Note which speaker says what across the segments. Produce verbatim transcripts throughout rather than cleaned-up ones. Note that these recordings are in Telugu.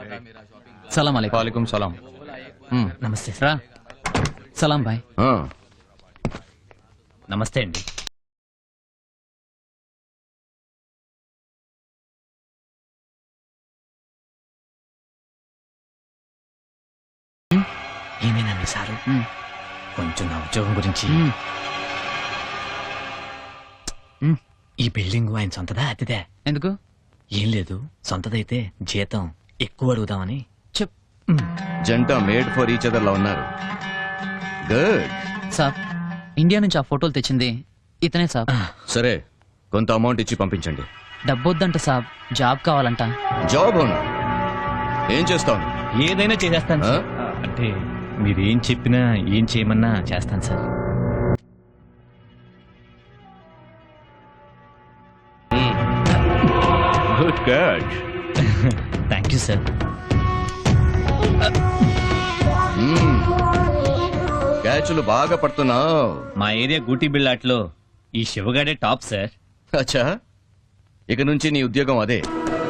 Speaker 1: సలాం అలైకుం.
Speaker 2: వాలేకుం సలాం.
Speaker 1: నమస్తే రా. సలాం బాయ్.
Speaker 3: నమస్తే అండి. ఏమైనా మీ సారు కొంచెం నా ఉద్యోగం గురించి. ఈ బిల్డింగ్ ఆయన సొంతదా అతిదే?
Speaker 1: ఎందుకు?
Speaker 3: ఏం లేదు, సొంతదైతే జీతం ఎక్కువ అడుగుదామని.
Speaker 1: చెప్.
Speaker 4: జంట మేడ్ ఫర్ ఈచ్ అదర్ లా ఉన్నారు. గుడ్.
Speaker 1: సాబ్, ఇండియా నుంచి ఆ ఫోటోలు తెచ్చింది ఇతనే సాబ్.
Speaker 4: సరే, కొంత అమౌంట్ ఇచ్చి పంపించండి.
Speaker 1: డబ్బొద్దంట సాబ్, జాబ్ కావాలంట.
Speaker 4: జాబ్ అవునా? ఏం చేస్తావు?
Speaker 3: ఏదైనా చేసేస్తాను
Speaker 4: ఆ?
Speaker 3: సార్. అంటే మీరేం చెప్పినా ఏం చేయమన్నా చేస్తాను sir.
Speaker 4: Good good.
Speaker 3: Thank you sir.
Speaker 4: క్యాచ్లు బాగా పడుతున్నావు.
Speaker 3: మా ఏరియా గూటి బిళ్ళాట్లో ఈ శివగాడే టాప్ సార్.
Speaker 4: అచ్చా, ఇక నుంచి నీ ఉద్యోగం అదే.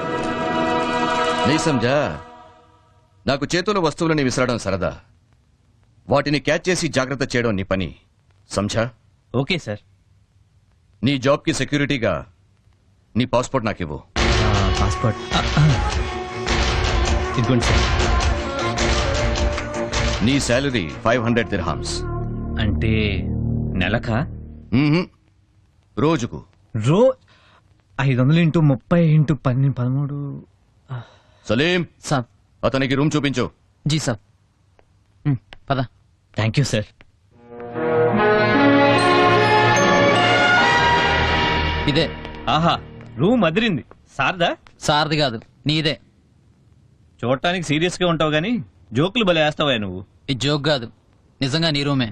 Speaker 4: నీ సంజా, నాకు చేతుల వస్తువులని విసరడం సరదా, వాటిని క్యాచ్ చేసి జాగ్రత్త చేయడం నీ పని. సంజా?
Speaker 3: Okay sir.
Speaker 4: నీ జాబ్ కి సెక్యూరిటీగా నీ పాస్పోర్ట్ నాకివ్వు.
Speaker 3: పాస్పోర్ట్ ఇదిగోండి సార్.
Speaker 4: నీ శాలరీ ఫైవ్ హండ్రెడ్ దిర్హామ్స్.
Speaker 3: అంటే నెలకా?
Speaker 4: రోజుకు.
Speaker 3: రో ఐదు వందలు ఇంటూ ముప్పై ఇంటూ పన్నెండు పదమూడు.
Speaker 4: సలీం,
Speaker 1: సాబ్.
Speaker 4: అతనికి రూమ్ చూపించు.
Speaker 1: జీ సాబ్. పద.
Speaker 3: Thank you sir.
Speaker 1: ఇదే.
Speaker 3: ఆహా, రూమ్ అదిరింది. సార్దా?
Speaker 1: సార్ది కాదు, నీదే.
Speaker 3: చూడటానికి సీరియస్ గా ఉంటావు గానీ జోకులు భలే వేస్తావా నువ్వు.
Speaker 1: ఇది జోక్ కాదు, నిజంగా నీ రూమే.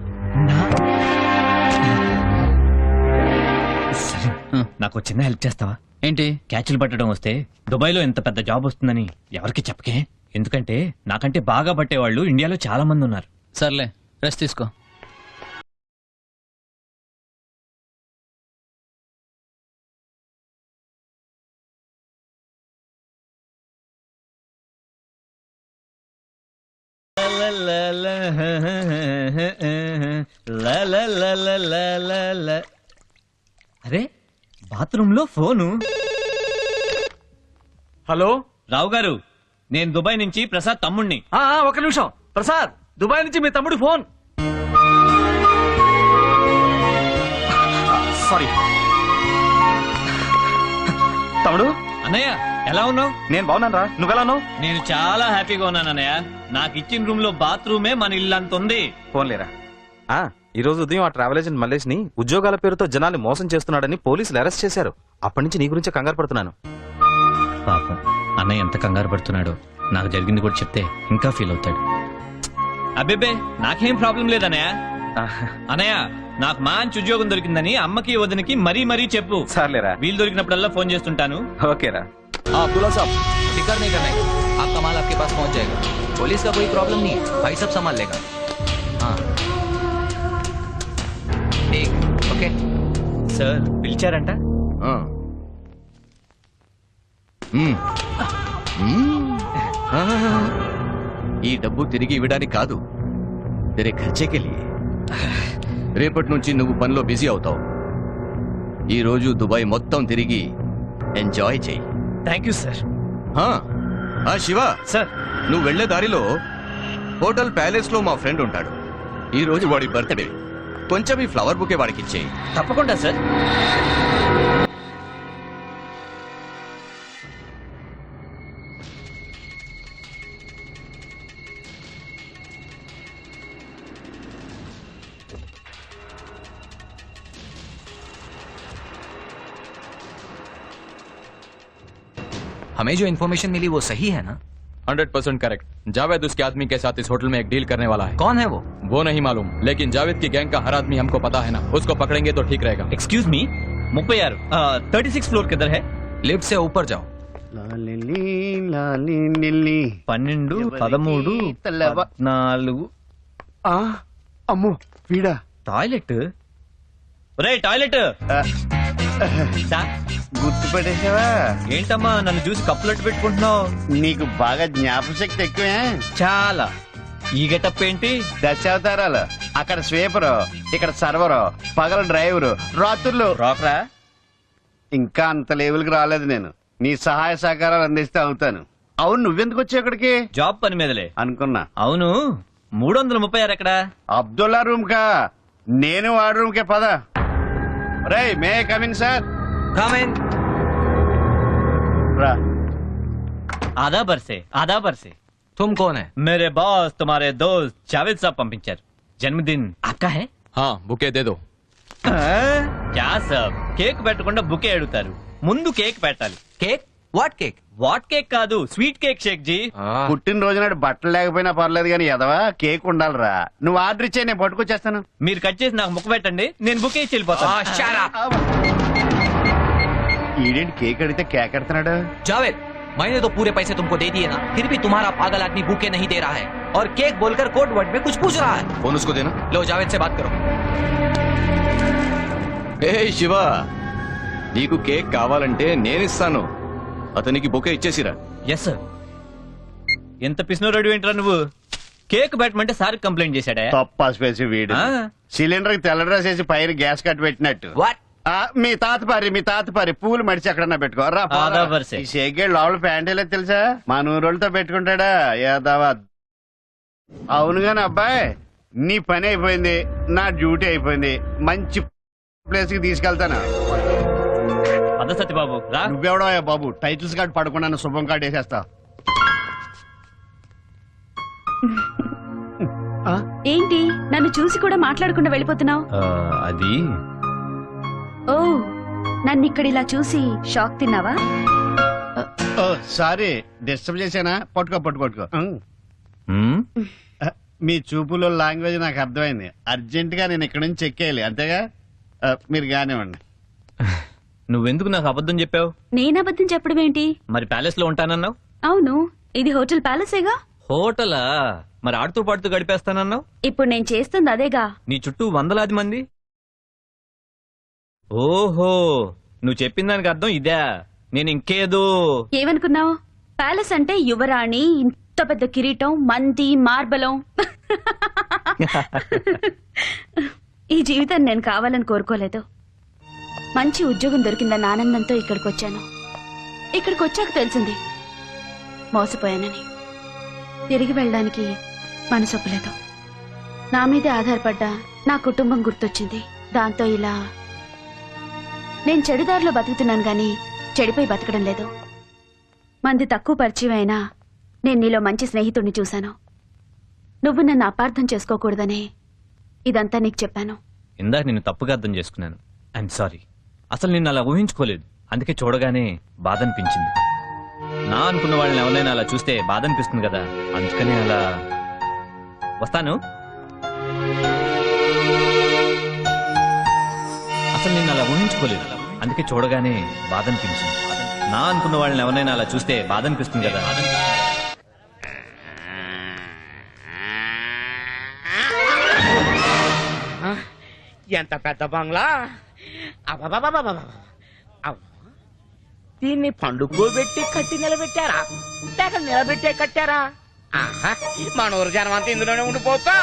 Speaker 3: సరే, నాకు చిన్న హెల్ప్ చేస్తావా?
Speaker 1: ఏంటి?
Speaker 3: క్యాచ్లు పట్టడం వస్తే దుబాయ్లో ఎంత పెద్ద జాబ్ వస్తుందని ఎవరికి చెప్పకే. ఎందుకంటే నాకంటే బాగా పట్టేవాళ్ళు ఇండియాలో చాలా మంది ఉన్నారు.
Speaker 1: సర్లే, రెస్ట్ తీసుకో.
Speaker 3: అరే, బాత్రూమ్ లో ఫోను.
Speaker 2: హలో
Speaker 3: రావు గారు, నేను దుబాయ్ నుంచి ప్రసాద్ తమ్ముణ్ణి.
Speaker 2: ఆ, ఆ, ఒక నిమిషం. ప్రసాద్, దుబాయ్ నుంచి మీ తమ్ముడు ఫోన్. సారీ తమ్ముడు.
Speaker 3: అన్నయ్య, ఎలా ఉన్నావు?
Speaker 2: నేను బాగున్నాను రా, నువ్వెలా ఉన్నావు?
Speaker 3: నేను చాలా హ్యాపీగా ఉన్నాను అన్నయ్య. నాకు ఇచ్చిన రూమ్ లో బాత్రూమే మన ఇల్లు అంత ఉంది.
Speaker 2: ఫోన్లేరా. ఆ, ఈ రోజు ఉదయం ఆ ట్రావెల్ ఏజెంట్ మల్లేష్ ని ఉద్యోగాల పేరుతో జనాల్ని మోసం చేస్తున్నాడని పోలీసులు అరెస్ట్ చేశారు. అప్పటి నుంచి నీ గురించి కంగారు పడుతున్నాను.
Speaker 3: పాపం అన్నయ్య ఎంత కంగారు పడుతున్నాడో. నాకు జరిగింది కూడా చెప్తే ఇంకా ఫీల్ అవుతాడు. అబ్బేబే, నాకేం ప్రాబ్లం లేదన్నయ్య. అన్నయ్య, నాకు మంచి ఉద్యోగం దొరికిందని అమ్మకి వదినకి మరీ మరీ చెప్పు.
Speaker 2: సర్లేరా.
Speaker 3: వీలు దొరికినప్పుడల్లా ఫోన్ చేస్తుంటాను.
Speaker 2: ఓకేరా.
Speaker 5: अब्दुल्ला साहब, फिक्र नहीं करना है, आपका माल आपके पास पहुंच जाएगा. पुलिस का कोई प्रॉब्लम नहीं है, भाई सब संभाल लेगा. हाँ ठीक, ओके.
Speaker 3: సార్ పిలిచారంట.
Speaker 4: ఆ. మ్మ్. మ్మ్. ఆ, ఈ డబ్బు తిరిగి ఇవ్వడానికి కాదు, తెరే ఖర్చేకే లియే. రేపటి నుంచి నువ్వు పనిలో బిజీ అవుతావు. ఈ రోజు దుబాయ్ మొత్తం తిరిగి ఎంజాయ్ చెయ్యి.
Speaker 3: Thank you sir.
Speaker 4: Shiva
Speaker 3: sir,
Speaker 4: నువ్వు వెళ్లే దారిలో హోటల్ ప్యాలెస్ లో మా ఫ్రెండ్ ఉంటాడు. ఈ రోజు వాడి బర్త్డే. కొంచెం ఈ ఫ్లవర్ బుకే వాడికి ఇచ్చేయి.
Speaker 3: తప్పకుండా సార్.
Speaker 5: हमें जो इन्फॉर्मेशन मिली वो सही है ना?
Speaker 2: Hundred percent correct. जावेद उसके आदमी के साथ इस होटल में एक डील करने वाला है.
Speaker 5: कौन है वो?
Speaker 2: वो नहीं मालूम, लेकिन जावेद की गैंग का हर आदमी हमको पता है ना. उसको पकड़ेंगे तो ठीक रहेगा.
Speaker 3: ఎక్స్క్యూజ్ మీ, ముప్పై ఆరు థర్టీ సిక్స్ ఫ్లోర్ కిదర్ హై?
Speaker 5: लिफ्ट से ऊपर जाओ.
Speaker 3: పన్నెండు పదమూడు పద్నాలుగు.
Speaker 6: అమ్మో వీడా?
Speaker 3: టాయిలెట్. రే టాయిలెట్.
Speaker 7: గుర్తుపట్టేసావా?
Speaker 3: ఏంటమ్మా నన్ను చూసి కప్పులట్టు పెట్టుకుంటున్నావు?
Speaker 7: నీకు బాగా జ్ఞాపశక్తి ఎక్కువే.
Speaker 3: చాలా. ఈ గెటప్ ఏంటి?
Speaker 7: దశావతారాలు. అక్కడ స్వీపరు, ఇక్కడ సర్వరు, పగల డ్రైవరు, రాత్రులు
Speaker 3: రాకరా?
Speaker 7: ఇంకా అంత లెవెల్కి రాలేదు నేను. నీ సహాయ సహకారాలు అందిస్తే అవుతాను. అవును, నువ్వెందుకు వచ్చావు ఇక్కడికి?
Speaker 3: జాబ్ పని మీదలే.
Speaker 7: అనుకున్నా.
Speaker 3: అవును, మూడు వందల ముప్పై ఆరు ఎక్కడ?
Speaker 7: అబ్దుల్లా రూమ్ కా. నేను వాడు రూమ్ కే పద. రై మే కమిన్ సార్. రా.
Speaker 3: ఆదా బర్సే, ఆదా బర్సే.
Speaker 5: तुम कौन है?
Speaker 3: मेरे बॉस तुम्हारे दोस्त जावेद साहब పంపించారు. జన్మదిన్
Speaker 5: आपका है?
Speaker 8: हाँ बुके दे दो.
Speaker 3: క్యా సాబ్, కేక్ పెట్టకుండా బుకే అడుగుతారు. ముందు కేక్ పెట్టాలి.
Speaker 5: Cake? What cake?
Speaker 3: What cake కాదు, స్వీట్ కేక్ షేక్ జీ.
Speaker 8: हाँ.
Speaker 7: పుట్టినరోజు నాడు బట్టలు లేకపోయినా పర్లేదు కానీ ఎదవా కేక్ ఉండాలిరా. నువ్వు ఆర్డర్ ఇచ్చే నేను పట్టుకొచ్చేస్తాను.
Speaker 3: మీరు కట్ చేసి నాకు ముక్క పెట్టండి, నేను బుకే ఇచ్చి వెళ్ళిపోతాను.
Speaker 5: shut up.
Speaker 7: ఈడేంటి కేక్ అడిగితే కేక్ ఎడుతున్నాడు?
Speaker 5: जावेद, मैंने तो पूरे पैसे तुमको दे दिए ना, फिर भी तुम्हारा पागल आदमी बुके नहीं दे रहा है और केक बोलकर कोड वर्ड में कुछ पूछ रहा है.
Speaker 4: फोन उसको देना.
Speaker 5: लो जावेद से बात करो.
Speaker 4: ఏ శివ, నీకు కేక్ కావాలంటే నేనిస్తాను. అతనికి బొకే ఇచ్చేసిరా.
Speaker 3: Yes sir. ఎంత పిసినో రెడీ ఏంట్రా నువ్వు? కేక్ పెట్టమంటే సార్ కంప్లైంట్ చేశాడా?
Speaker 7: తప్ప స్పేసి వీడు
Speaker 3: ఆ.
Speaker 7: సిలిండర్ కి తెల్ల డ్రెస్ వేసి పైన గ్యాస్ కట్ పెట్టినట్టు.
Speaker 5: What?
Speaker 7: ఆ, మీ తాత పారి మీ తాత పారి పూలు మడిచి ఎక్కడన్నా పెట్టుకోరా.
Speaker 3: ఆదా వరుసే.
Speaker 7: ఈ షేగేడ్ లోపల ప్యాంట్ వేయలేదు తెలుసా? మా నూరోళ్ళతో పెట్టుకుంటాడా యాదవా. అవును గాని అబ్బాయి, నీ పని అయిపోయింది, నా డ్యూటీ అయిపోయింది. మంచి ప్లేస్ కి తీసుకెళ్తాను.
Speaker 3: అద సత్యబాబు రా.
Speaker 7: నువ్వెవడో బాబు టైటిల్స్ కార్డు పడకుండా శుభం కార్డు వేసేస్తా.
Speaker 9: ఏంటి నన్ను చూసి కూడా మాట్లాడకుండా వెళ్ళిపోతున్నావు?
Speaker 3: ఆ, అది
Speaker 9: ఓ, నన్ను ఇక్కడ ఇలా చూసి షాక్ తిన్నావా?
Speaker 7: ఓ సారీ, డిస్టర్బ్ చేశానా? పట్టుకో పట్టుకో పట్టుకో.
Speaker 3: మ్మ్?
Speaker 7: ఆ, మీ చూపులో లాంగ్వేజ్ నాకు అర్థమైంది. అర్జెంట్ గా నేను ఇక్కడ నుంచి చెక్కేయాలి అంతేగా? ఆ, మీరు కానివ్వండి.
Speaker 3: నువ్వెందుకు నాకు అబద్ధం చెప్పావు?
Speaker 9: నేను అబద్ధం చెప్పడం ఏంటి?
Speaker 3: మరి ప్యాలెస్ లో ఉంటానన్నావు.
Speaker 9: అవును, ఇది హోటల్ ప్యాలెసేగా.
Speaker 3: హోటలా? మరి ఆడుతూ పాడుతూ గడిపేస్తానన్నావు.
Speaker 9: ఇప్పుడు నేను చేస్తుంది అదేగా.
Speaker 3: నీ చుట్టూ వందలాది మంది. ఓహో, నువ్వు చెప్పిన దానికి అర్థం ఇదే. నేను ఇంకేదో.
Speaker 9: ఏమనుకున్నావు? ప్యాలెస్ అంటే యువరాణి, ఇంత పెద్ద కిరీటం, మంది, మార్బలం. ఈ జీవితాన్ని నేను కావాలని కోరుకోలేదు. మంచి ఉద్యోగం దొరికిందన్న ఆనందంతో ఇక్కడికి వచ్చాను. ఇక్కడికి వచ్చాక తెలిసింది మోసపోయానని. తిరిగి వెళ్ళడానికి మనసొప్పలేదు. నా మీదే ఆధారపడ్డ నా కుటుంబం గుర్తొచ్చింది. దాంతో ఇలా నేను చెడుదారిలో బతుకుతున్నాను గాని చెడిపోయి బతకడం లేదు. మంది తక్కువ పరిచయం అయినా నేను నీలో మంచి స్నేహితుడిని చూశాను. నువ్వు నన్ను అపార్థం చేసుకోకూడదనే ఇదంతా నీకు చెప్పాను.
Speaker 3: ఇందాక నిన్ను తప్పుగా అర్థం చేసుకున్నాను. I'm sorry. అసలు నిన్ను అలా ఊహించుకోలేదు. అందుకే చూడగానే బాధ అనిపించింది. నా అనుకున్న వాళ్ళని ఎవరైనా అలా చూస్తే బాధ అనిపిస్తుంది కదా, అందుకనే అలా. వస్తాను. అసలు నిన్ను అలా ఊహించుకోలేదు. అందుకే చూడగానే బాధ అనిపించింది. నా అనుకున్న వాళ్ళని ఎవరైనా అలా చూస్తే బాధ అనిపిస్తుంది కదా.
Speaker 10: ఎంత పెద్ద బంగ్లా! అబ్బబ్బబ్బబ్బబ్బ! అవ్వ! దీన్ని పండుకోబెట్టి కట్టి నిలబెట్టారా లేక నిలబెట్టే కట్టారా? ఆహా! మన ఊరు జనం అంతా ఇందులోనే ఉండిపోతా.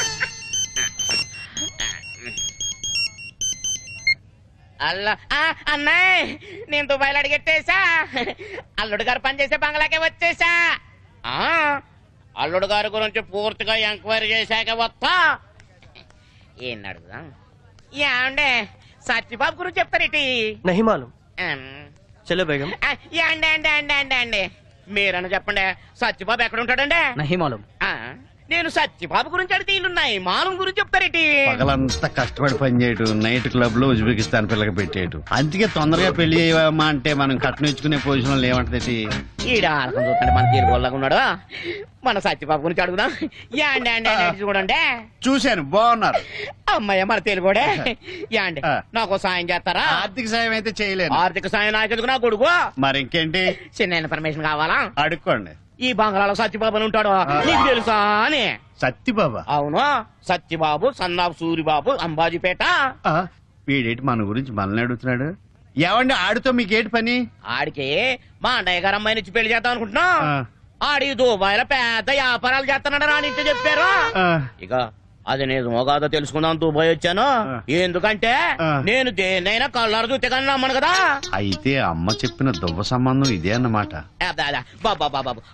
Speaker 10: అల్లా ఆ, అన్నయ్య, నేను దుబాయ్లో అడిగెట్టేశా. అల్లుడు గారు పనిచేసే బంగ్లాకే వచ్చేసా. ఆ, అల్లుడు గారి గురించి పూర్తిగా ఎంక్వైరీ చేశాక వస్తా. ఏం అడుగుదాం? యాండే సత్యబాబు గురించి చెప్తారేటి?
Speaker 6: नहीं मालूम. चलो बेगम.
Speaker 10: యాండే అండి అండి అండి అండి మీరన్నా చెప్పండి, సత్యబాబు ఎక్కడ ఉంటాడండి?
Speaker 1: नहीं मालूम.
Speaker 10: ఆ, నేను సత్యబాబు గురించి అడిగితే ఇల్లున్నాయి, మాలం గురించి చెప్తారేటి?
Speaker 7: పగలంతా కష్టపడి పని చేయటం, నైట్ క్లబ్ లో ఉజ్బెకిస్తాన్ పిల్లకి పెట్టేయటం. అందుకే తొందరగా పెళ్లి చేయమా అంటే మనం కట్నం ఇచ్చుకునే పొజిషన్ లో ఏమంటది?
Speaker 10: ఈడ ఆడకం చూస్తాడు మన తీరుగోళ్ళగా ఉన్నాడు. మన సత్యబాబు గురించి అడుగుదాం. యాండి అండి అండి చూడండి.
Speaker 7: చూశాను, బాగున్నారు.
Speaker 10: అమ్మాయి మన తెలుగుడే. యాండి
Speaker 7: ఆ.
Speaker 10: నాకు సాయం చేస్తారా?
Speaker 7: ఆర్థిక సాయం అయితే చేయలేను.
Speaker 10: ఆర్థిక సాయం నాకెందుకు, నా కొడుకు.
Speaker 7: మరి ఇంకేంటి?
Speaker 10: చిన్న ఇన్ఫర్మేషన్ కావాలా?
Speaker 7: అడుక్కోండి.
Speaker 10: ఈ బంగ్లాలో సత్యబాబు అని ఉంటాడు, నీకు తెలుసా అని?
Speaker 7: సత్తిబాబా?
Speaker 10: అవును, సత్యబాబు సన్నాబు సూరిబాబు అంబాజీపేట.
Speaker 7: ఆ, వీడేంటి మన గురించి మనల్ని అడుగుతున్నాడు? ఏమండి ఆడితో మీకేటి పని
Speaker 10: ఆడికి మా అన్నయ్య గారు అమ్మాయిని ఇచ్చి పెళ్లి చేద్దాం అనుకుంటున్నా
Speaker 7: ఆ,
Speaker 10: ఆడి దుబాయ్లో పెద్ద వ్యాపారాలు చేస్తున్నాడు అని ఇంట్లో చెప్పారు
Speaker 7: ఆ,
Speaker 10: ఇక అది నిజమో కాదో తెలుసుకుందాం దుబాయ్ వచ్చాను
Speaker 7: ఆ.
Speaker 10: ఎందుకంటే
Speaker 7: ఆ.
Speaker 10: నేను దేన్నైనా కళ్ళారు చూస్తే కానీ నమ్మను కదా
Speaker 7: అయితే అమ్మ చెప్పిన దువ్వ సంబంధం ఇదే అన్నమాట
Speaker 10: అబ్బా, అబ్బా, బాబా బాబా